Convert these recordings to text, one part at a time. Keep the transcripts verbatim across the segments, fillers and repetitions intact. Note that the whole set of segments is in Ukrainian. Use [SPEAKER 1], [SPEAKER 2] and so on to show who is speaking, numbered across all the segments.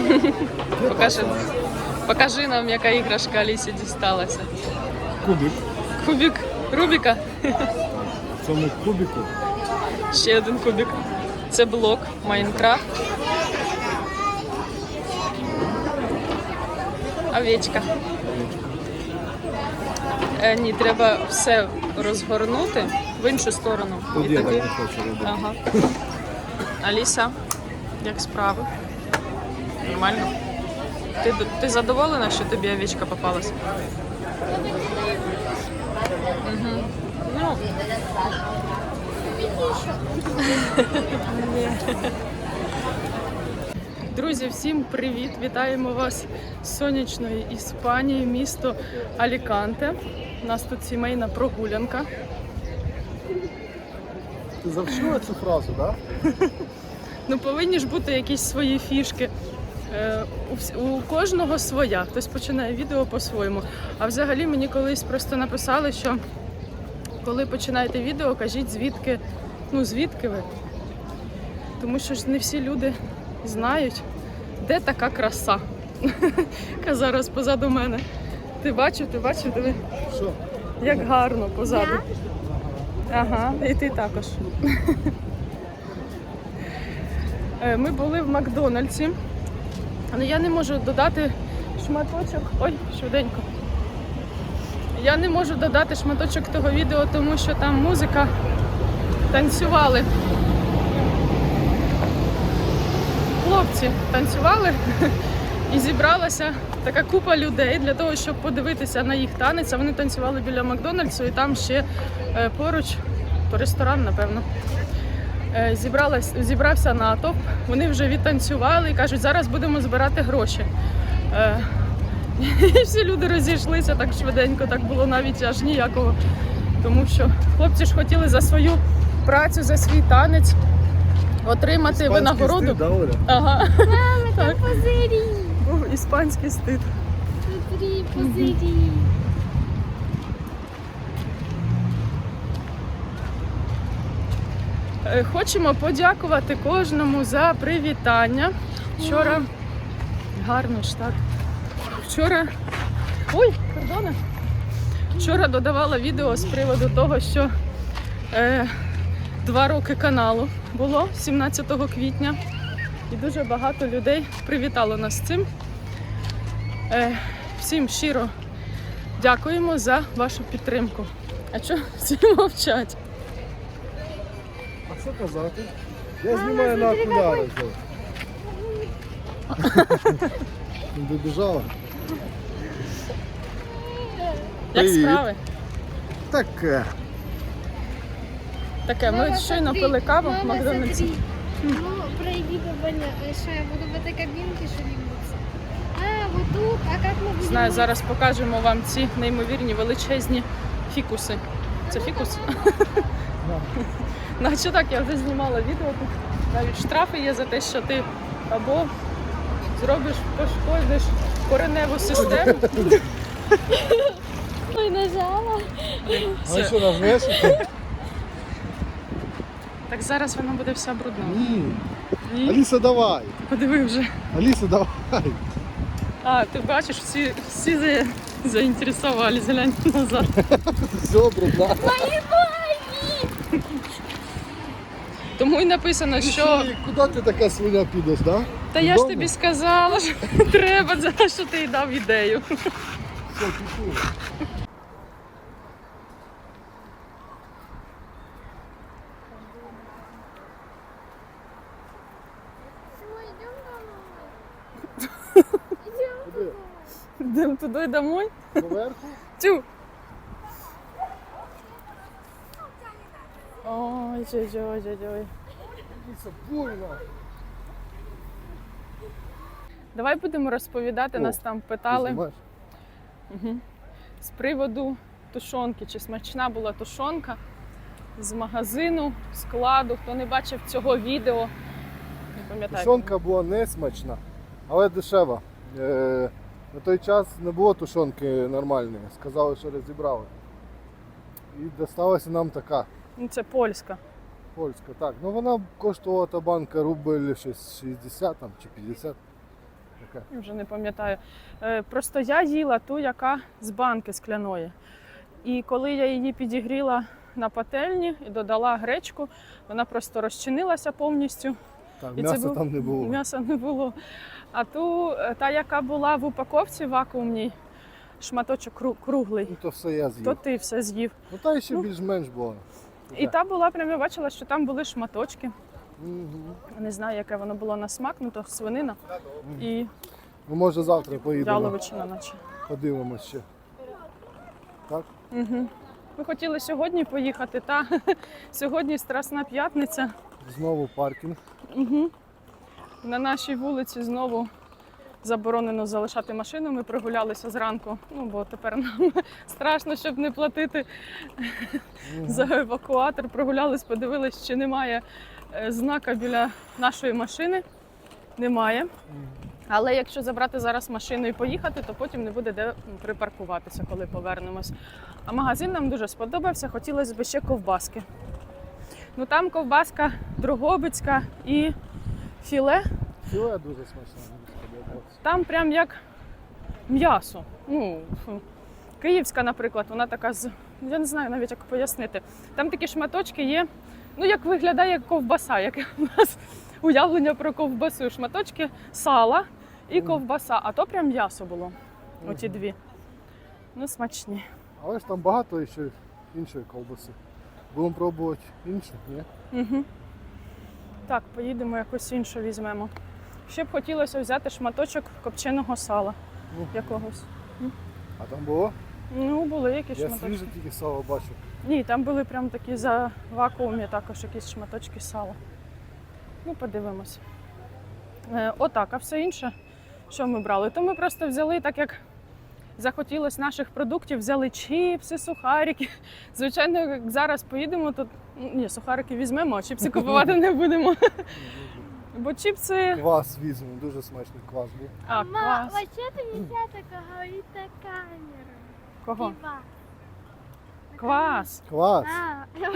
[SPEAKER 1] Покажи, покажи нам, яка іграшка Алісі дісталася.
[SPEAKER 2] Кубик.
[SPEAKER 1] Кубик Рубіка.
[SPEAKER 2] В цьому кубику
[SPEAKER 1] Ще один кубик. Це блок Майнкрафт. Овечка. Е, ні, треба все розгорнути в іншу сторону.
[SPEAKER 2] От
[SPEAKER 1] І
[SPEAKER 2] я
[SPEAKER 1] тоді...
[SPEAKER 2] так не хочу робити.
[SPEAKER 1] Ага. Аліса, як справи? Нормально? Ти, ти задоволена, що тобі овечка попалась? Угу. Ну. Друзі, всім привіт! Вітаємо вас з сонячної Іспанії, місто Аліканте. У нас тут сімейна прогулянка.
[SPEAKER 2] Ти завчила цю фразу, так? Да?
[SPEAKER 1] Ну, повинні ж бути якісь свої фішки. Е, у, вс- у кожного своя. Хтось починає відео по-своєму. А взагалі мені колись просто написали, що коли починаєте відео, кажіть звідки, ну звідки ви. Тому що ж не всі люди знають, де така краса, яка зараз позаду мене. Ти бачив, ти бачив, диви,
[SPEAKER 2] Що?
[SPEAKER 1] як гарно позаду. Ага, і ти також. Е, Ми були в Макдональдсі, але я не можу додати шматочок. Ой, швиденько. Я не можу додати шматочок того відео, тому що там музика, танцювали. Хлопці танцювали і зібралася така купа людей для того, щоб подивитися на їх танець. А вони танцювали біля Макдональдсу і там ще е, поруч, то ресторан, напевно. Е, зібралась, зібрався натовп, вони вже відтанцювали і кажуть, зараз будемо збирати гроші. Е, і всі люди розійшлися так швиденько, так було навіть аж ніякого. Тому що хлопці ж хотіли за свою працю, за свій танець отримати
[SPEAKER 2] Іспанський
[SPEAKER 1] винагороду.
[SPEAKER 2] стиль, да, Оля?
[SPEAKER 1] Ага.
[SPEAKER 3] Мама,
[SPEAKER 1] Так.
[SPEAKER 3] там пузырі.
[SPEAKER 1] Був іспанський стиль.
[SPEAKER 3] Смотри, пузырі.
[SPEAKER 1] Е, Хочемо подякувати кожному за привітання. Вчора гарно ж так. Вчора. Ой, кордони. Вчора додавала відео з приводу того, що е, два роки каналу було сімнадцятого квітня. І дуже багато людей привітало нас з цим. Е, всім щиро дякуємо за вашу підтримку. А що всі мовчать?
[SPEAKER 2] А що казати? Я знімаю на окуляри. Не добіжала?
[SPEAKER 1] Як
[SPEAKER 2] Привіт.
[SPEAKER 1] справи?
[SPEAKER 2] Таке.
[SPEAKER 1] Таке, ми щойно пили каву в
[SPEAKER 3] Мама,
[SPEAKER 1] Макдональдсі.
[SPEAKER 3] смотри. Ну, проявила, что я буду в этой кабинке шевелиться. А, вот тут, а как мы будем...
[SPEAKER 1] Знаю, зараз покажемо вам ці неймовірні величезні фікуси. Це фікус? Ну, а що так, я вже знімала відео тут. Навіть штрафи є за те, що ти або зробиш, пошкодиш кореневу систему.
[SPEAKER 3] Ой, нажала.
[SPEAKER 2] А що, нажмеш?
[SPEAKER 1] Так зараз вона буде вся брудна.
[SPEAKER 2] Ні.
[SPEAKER 1] Ні?
[SPEAKER 2] Аліса, давай.
[SPEAKER 1] Подиви вже.
[SPEAKER 2] Аліса, давай.
[SPEAKER 1] А, ти бачиш, всі, всі за... заінтересувались, глянь назад.
[SPEAKER 2] Все, брудна.
[SPEAKER 3] Мои ноги!
[SPEAKER 1] Тому й написано, що...
[SPEAKER 2] І Куди ти така свиня підеш, так? Да?
[SPEAKER 1] Та я ж
[SPEAKER 2] Додому?
[SPEAKER 1] тобі сказала, що треба, за те, що ти й дав ідею.
[SPEAKER 2] Все, пішли.
[SPEAKER 3] Ой, идем домой. Идем.
[SPEAKER 2] Куди?
[SPEAKER 1] Йдемо туди домой.
[SPEAKER 2] Поверху?
[SPEAKER 1] Тю. Ой, ой, ой, ой.
[SPEAKER 2] Аліса, больно.
[SPEAKER 1] Давай будемо розповідати,
[SPEAKER 2] О,
[SPEAKER 1] нас там
[SPEAKER 2] Ти
[SPEAKER 1] питали
[SPEAKER 2] знімаєш?
[SPEAKER 1] угу. з приводу тушонки, чи смачна була тушонка з магазину, складу. Хто не бачив цього відео, не пам'ятаю.
[SPEAKER 2] Тушонка була не смачна, але дешева. Е, на той час не було тушонки нормальної. Сказали, що розібрали. І досталася нам така
[SPEAKER 1] Ну, це польська.
[SPEAKER 2] польська. Так, ну вона коштувала та банка рубль щось шістдесят там, чи п'ятдесят. Яке?
[SPEAKER 1] Я вже не пам'ятаю. Е, Просто я їла ту, яка з банки скляної. І коли я її підігріла на пательні і додала гречку, вона просто розчинилася повністю.
[SPEAKER 2] Так,
[SPEAKER 1] І це
[SPEAKER 2] м'яса
[SPEAKER 1] був-
[SPEAKER 2] там не було.
[SPEAKER 1] М'яса не було. А ту, е, та, яка була в упаковці вакуумній, шматочок кру- круглий,
[SPEAKER 2] Ну, то все я з'їв.
[SPEAKER 1] то ти все з'їв.
[SPEAKER 2] Ну та ще
[SPEAKER 1] Ну.
[SPEAKER 2] більш-менш було.
[SPEAKER 1] І та була, прям я бачила, що там були шматочки.
[SPEAKER 2] Мгм.
[SPEAKER 1] Не знаю, яке воно було на смак, ну то свинина і
[SPEAKER 2] Ну, може завтра поїдемо,
[SPEAKER 1] яловичина наче.
[SPEAKER 2] подивимось ще. Так?
[SPEAKER 1] Угу. Ми хотіли сьогодні поїхати, та сьогодні Страсна п'ятниця.
[SPEAKER 2] Знову паркінг.
[SPEAKER 1] Угу. На нашій вулиці знову заборонено залишати машину. Ми прогулялися зранку, ну бо тепер нам страшно, щоб не платити за евакуатор. Прогулялись, подивились, чи немає е, знака біля нашої машини. Немає. Але якщо забрати зараз машину і поїхати, то потім не буде де припаркуватися, коли повернемось. А магазин нам дуже сподобався, хотілося б ще ковбаски. Ну там ковбаска дрогобицька і філе.
[SPEAKER 2] Філе дуже смачне, мені сподобалося.
[SPEAKER 1] Там прям як м'ясо. Ну, фу. Київська, наприклад, вона така з. Я не знаю навіть, як пояснити. Там такі шматочки є, ну як виглядає ковбаса, яке у нас уявлення про ковбасу. Шматочки сала і ковбаса, а то прям м'ясо було. Оті дві. Ну, смачні.
[SPEAKER 2] Але ж там багато ще іншої ковбаси. Будемо пробувати іншу, ні?
[SPEAKER 1] Угу. Так, поїдемо якось іншу візьмемо. Ще б хотілося взяти шматочок копченого сала
[SPEAKER 2] Ну,
[SPEAKER 1] якогось.
[SPEAKER 2] а там було?
[SPEAKER 1] Ну, були якісь
[SPEAKER 2] Я
[SPEAKER 1] шматочки.
[SPEAKER 2] свіже тільки сало бачу.
[SPEAKER 1] Ні, там були прям такі за вакуумі також якісь шматочки сала. Ну, подивимось. Е, отак, а все інше, що ми брали? То ми просто взяли, так як захотілось наших продуктів, взяли чіпси, сухарики. Звичайно, як зараз поїдемо, то ну, ні, сухарики візьмемо, а чіпси купувати не будемо. Бо чіпси.
[SPEAKER 2] Квас візьмемо, дуже смачний квас був.
[SPEAKER 1] А,
[SPEAKER 3] Ма,
[SPEAKER 1] клас.
[SPEAKER 3] вообще-то нельзя так говорить на камеру.
[SPEAKER 1] Кого?
[SPEAKER 3] Пива.
[SPEAKER 1] Квас.
[SPEAKER 2] Квас!
[SPEAKER 3] А,
[SPEAKER 2] Ну,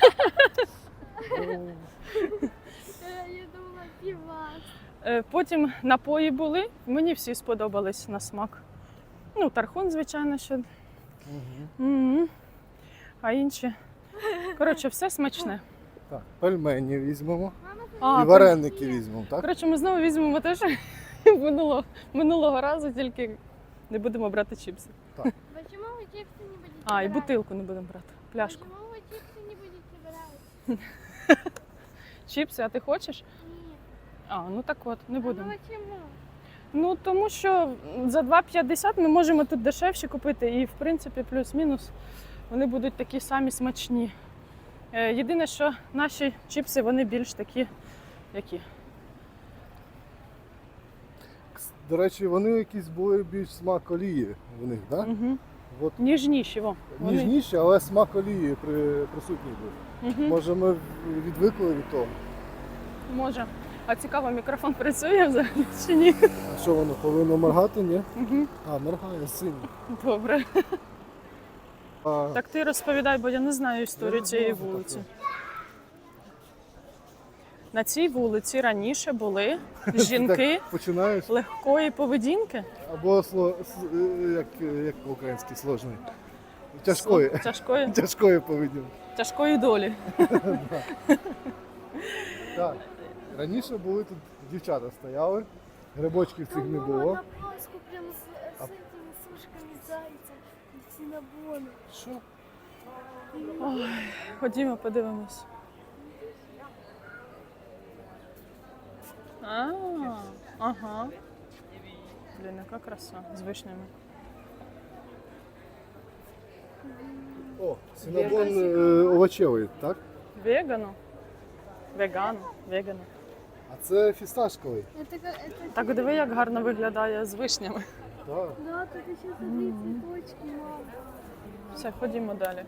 [SPEAKER 3] я думала пива.
[SPEAKER 1] Е, Потім напої були, мені всі сподобались на смак. Ну, тархун, звичайно, що.
[SPEAKER 2] мгм.
[SPEAKER 1] М. А інші. Коротше, все смачне.
[SPEAKER 2] Так, пельмені візьмемо.
[SPEAKER 1] А,
[SPEAKER 2] І вареники візьмемо, так?
[SPEAKER 1] Коротше, ми знову візьмемо те, що минулого, минулого разу, тільки не будемо брати чіпси.
[SPEAKER 3] Почему вы чипсы не будете
[SPEAKER 1] А, і
[SPEAKER 3] брать?
[SPEAKER 1] бутилку не будемо брати. Пляшку.
[SPEAKER 3] Почему вы чипсы не будете брать?
[SPEAKER 1] Чіпси, а ти хочеш?
[SPEAKER 3] Нет.
[SPEAKER 1] А, ну так от, не будемо.
[SPEAKER 3] Ну почему?
[SPEAKER 1] Ну, тому що за два п'ятдесят ми можемо тут дешевші купити і, в принципі, плюс-мінус вони будуть такі самі смачні. Е, Єдине, що наші чіпси, вони більш такі, які?
[SPEAKER 2] Кс- До речі, вони якісь були більш смак олії в них, так?
[SPEAKER 1] Угу.
[SPEAKER 2] От
[SPEAKER 1] Ніжніші, во. Вони-
[SPEAKER 2] ніжніші, але смак олії при, присутній був.
[SPEAKER 1] Мгм.
[SPEAKER 2] Може, ми відвикли від того.
[SPEAKER 1] Може. А цікаво, мікрофон працює взагалі чи ні?
[SPEAKER 2] А що воно повинно моргати, ні?
[SPEAKER 1] Угу.
[SPEAKER 2] А, моргає сильно.
[SPEAKER 1] Добре.
[SPEAKER 2] А,
[SPEAKER 1] Так ти розповідай, бо я не знаю історію
[SPEAKER 2] Я не
[SPEAKER 1] цієї
[SPEAKER 2] знаю
[SPEAKER 1] вулиці.
[SPEAKER 2] таке.
[SPEAKER 1] На цій вулиці раніше були жінки
[SPEAKER 2] так починаєш.
[SPEAKER 1] легкої поведінки.
[SPEAKER 2] Або сло, с- е, як, як по-українськи сложний. Тяжкої.
[SPEAKER 1] Тяжкої,
[SPEAKER 2] Тяжкої поведінки.
[SPEAKER 1] тяжкої долі.
[SPEAKER 2] Так. Раніше були тут дівчата стояли, грибочків цих не було.
[SPEAKER 3] На Пасху прям с, с этими сушками зайца и синабоном.
[SPEAKER 2] Що?
[SPEAKER 1] Ой, ходімо, подивимось. А, ага. Блін, яка краса з вишнями.
[SPEAKER 2] О, синабон е, овочевий, так?
[SPEAKER 1] Вегану. Вегану, вегану.
[SPEAKER 2] А це фісташковий.
[SPEAKER 3] Это, как- это
[SPEAKER 1] Так диви, як гарно виглядає з вишнями.
[SPEAKER 2] Так.
[SPEAKER 3] Да, тут еще смотри, цветочки, мам.
[SPEAKER 1] Все, ходімо далі.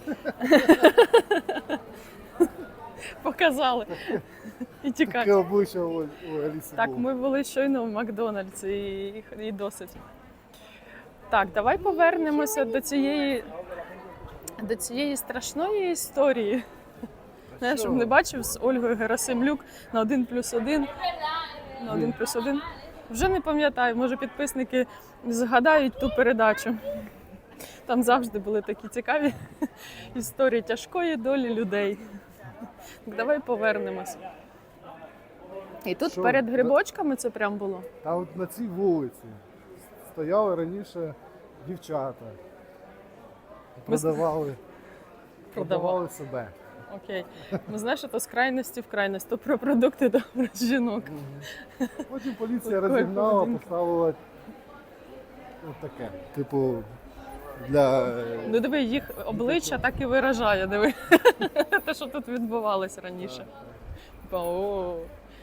[SPEAKER 1] Показали. І
[SPEAKER 2] Таке
[SPEAKER 1] тікати.
[SPEAKER 2] обличчя у, у Аліси
[SPEAKER 1] Так,
[SPEAKER 2] було.
[SPEAKER 1] ми були щойно в Макдональдсі і, і досить. Так, давай повернемося до цієї, до цієї страшної історії. Знаєш, щоб не бачив з Ольгою Герасимлюк на один плюс один. На один плюс один. Вже не пам'ятаю, може підписники згадають ту передачу. Там завжди були такі цікаві історії тяжкої долі людей. Так, давай повернемось. І тут
[SPEAKER 2] Що?
[SPEAKER 1] перед грибочками це прям було?
[SPEAKER 2] Та от на цій вулиці стояли раніше дівчата.
[SPEAKER 1] Ми з-
[SPEAKER 2] Продавали,
[SPEAKER 1] Продавали.
[SPEAKER 2] продавали себе.
[SPEAKER 1] Окей. Ну знаєш, то з крайності в крайність, то про продукти, то про жінок.
[SPEAKER 2] Потім поліція
[SPEAKER 1] Такої
[SPEAKER 2] розігнала,
[SPEAKER 1] поведінки.
[SPEAKER 2] поставила от таке. Типу, для.
[SPEAKER 1] Ну диви, їх обличчя так і виражає, диви. Те, що тут відбувалось раніше. Типа, о.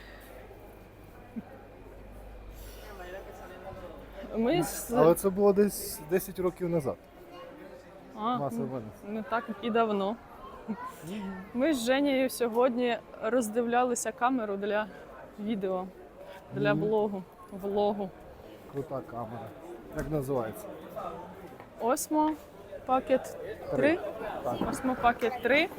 [SPEAKER 1] Ми з...
[SPEAKER 2] Але це було десь десять років назад.
[SPEAKER 1] А,
[SPEAKER 2] Маса
[SPEAKER 1] ну,
[SPEAKER 2] винесла.
[SPEAKER 1] не так і давно. Ми з Женєю сьогодні роздивлялися камеру для відео, для
[SPEAKER 2] Мгм.
[SPEAKER 1] блогу, влогу.
[SPEAKER 2] Крута камера. Як називається?
[SPEAKER 1] Osmo Pocket три.
[SPEAKER 2] Так.
[SPEAKER 1] Osmo Pocket три.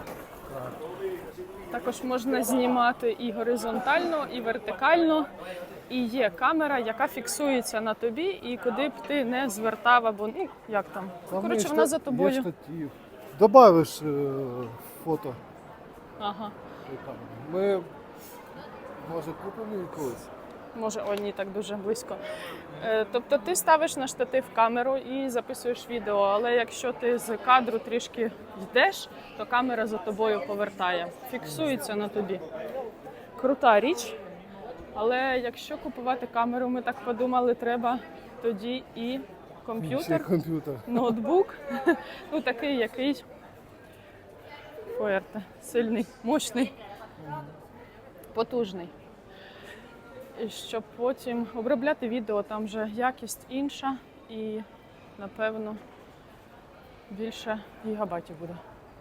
[SPEAKER 1] Також можна знімати і горизонтально, і вертикально. І є камера, яка фіксується на тобі, і куди б ти не звертав, або ну як там.
[SPEAKER 2] Там
[SPEAKER 1] Коротше,
[SPEAKER 2] є
[SPEAKER 1] вона
[SPEAKER 2] шта-
[SPEAKER 1] за
[SPEAKER 2] Є
[SPEAKER 1] тобою.
[SPEAKER 2] штатив. Добавиш е, фото.
[SPEAKER 1] Ага.
[SPEAKER 2] цієї камери. Ми, може, купимо її колись?
[SPEAKER 1] Може, о, ні, так дуже близько. Е, тобто ти ставиш на штатив камеру і записуєш відео, але якщо ти з кадру трішки йдеш, то камера за тобою повертає. Фіксується на тобі. Крута річ. Але якщо купувати камеру, ми так подумали, треба тоді і
[SPEAKER 2] Ще
[SPEAKER 1] комп'ютер,
[SPEAKER 2] комп'ютер.
[SPEAKER 1] ноутбук. Ну такий, який фуерте, сильний, мощний, потужний. І щоб потім обробляти відео, там вже якість інша і, напевно, більше гігабайтів буде.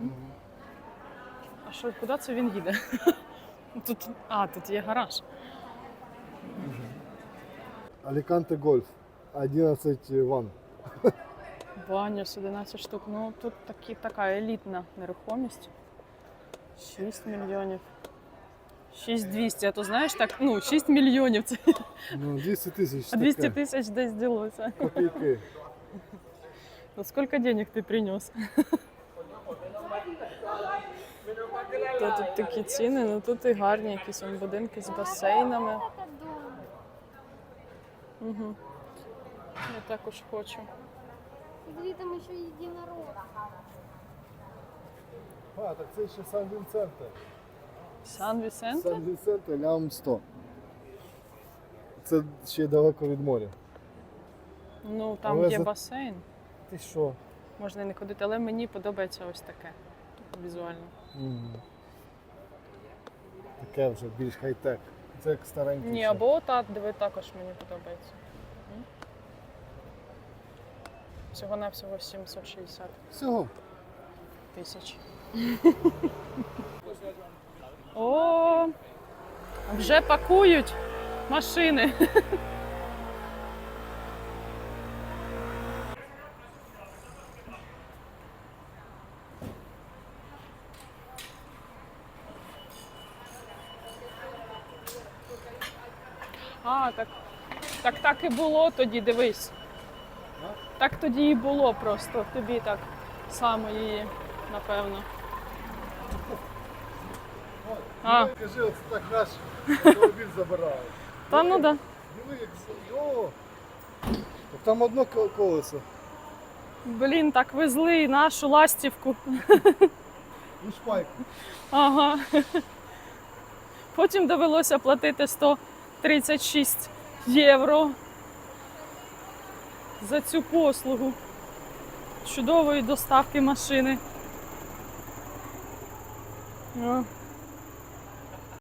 [SPEAKER 1] А що, куди це він їде? Тут, а, тут є гараж.
[SPEAKER 2] Аліканте Гольф. одинадцять ван.
[SPEAKER 1] Баня з одинадцять штук. Ну, тут такі, така елітна нерухомість. шість мільйонів. шість двісті, а то знаєш так, ну, шість мільйонів. Це
[SPEAKER 2] Ну, двісті тисяч.
[SPEAKER 1] а двісті
[SPEAKER 2] таке.
[SPEAKER 1] тисяч десь ділося.
[SPEAKER 2] Копійки.
[SPEAKER 1] Ну, сколько денег ты принес? То тут такі ціни, ну тут і гарні якісь вон будинки з басейнами.
[SPEAKER 3] Это дом.
[SPEAKER 1] Угу. Я також хочу.
[SPEAKER 3] Смотри, там еще единорог.
[SPEAKER 2] А, так це ще Сан-Вінсенте.
[SPEAKER 1] Сан Вісенте?
[SPEAKER 2] Сан-Вінсенте лям сто. Це ще далеко від моря.
[SPEAKER 1] Ну там
[SPEAKER 2] Але
[SPEAKER 1] є
[SPEAKER 2] за-
[SPEAKER 1] басейн.
[SPEAKER 2] Ти що?
[SPEAKER 1] Можна і не ходити, але мені подобається ось таке. Візуально.
[SPEAKER 2] Мгм. Таке вже більш хай-тек. Це як старенький.
[SPEAKER 1] Ні,
[SPEAKER 2] ще.
[SPEAKER 1] або та, диви, також мені подобається. М? Всього-навсього сімсот шістдесят
[SPEAKER 2] Всього.
[SPEAKER 1] тисяч. О, вже пакують машини. А, так, так так і було тоді, дивись. Так тоді і було просто, тобі так само її, напевно. А,
[SPEAKER 2] Кажи, оце так наш автомобіль забирають.
[SPEAKER 1] та ну да.
[SPEAKER 2] Диви, як з- О! Так там одно ко- колесо.
[SPEAKER 1] Блін, так везли нашу ластівку.
[SPEAKER 2] І шпайку.
[SPEAKER 1] Ага. Потім довелося платити сто тридцять шість євро за цю послугу чудової доставки машини. О.